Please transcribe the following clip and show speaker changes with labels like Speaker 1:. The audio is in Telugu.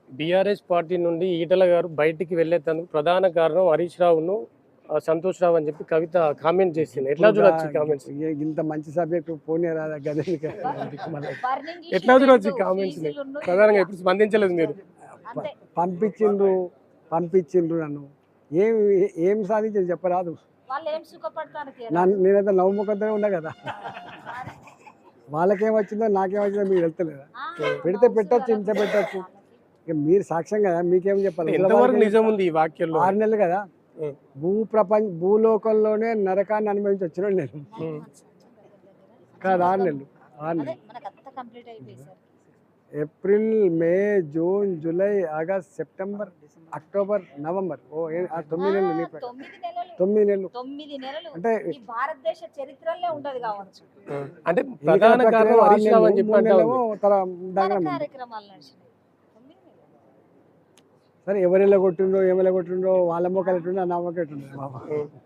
Speaker 1: బీఆర్ఎస్ పార్టీ నుండి ఈటల గారు బయటికి వెళ్ళేందుకు ప్రధాన కారణం హరీష్ రావును సంతోష్ రావు అని చెప్పి కవిత కామెంట్ చేసింది. ఎట్లా చూడొచ్చు కామెంట్స్?
Speaker 2: ఇంత మంచి సబ్జెక్ట్ పోనీ రాదా గదే
Speaker 1: ఎట్లా చూడొచ్చు కామెంట్స్? ప్రధానంగా ఎప్పుడు స్పందించలేదు మీరు.
Speaker 2: పంపించిండ్రు నన్ను ఏం ఏం సాధించింది చెప్పరాదు. నేనైతే నవ్వుముఖంతోనే ఉన్నా కదా. వాళ్ళకేం వచ్చిందో నాకేం వచ్చిందో మీకు వెళ్తలేదా? పెడితే పెట్టచ్చు, ఇంత పెట్టచ్చు. ఇక మీరు సాక్ష్యం కదా, మీకేం చెప్పాలి?
Speaker 1: ఎంతవరకు నిజం ఉంది ఈ వాక్యంలో?
Speaker 2: 6 నెలలు కదా భూలోకంలోనే నరకాన్ని అనుభవించి వచ్చిన నేను కాదు. 6 నెలలు April, May, June, July, August, September, October, November. 9 నెలలు. 9 నెలలు అంటే
Speaker 3: భారతదేశ చరిత్రలో ఉంటది కావచ్చు.
Speaker 1: అంటే ప్రధాన కారణం హరీష్ రావు అని చెప్పి
Speaker 2: సరే ఎవరెలా కొట్టిండ్రో ఏమెలా కొట్టిండ్రో వాళ్ళ మొక్కలు ఎట్టుండో నా మొక్క ఎట్టుండో బాబా.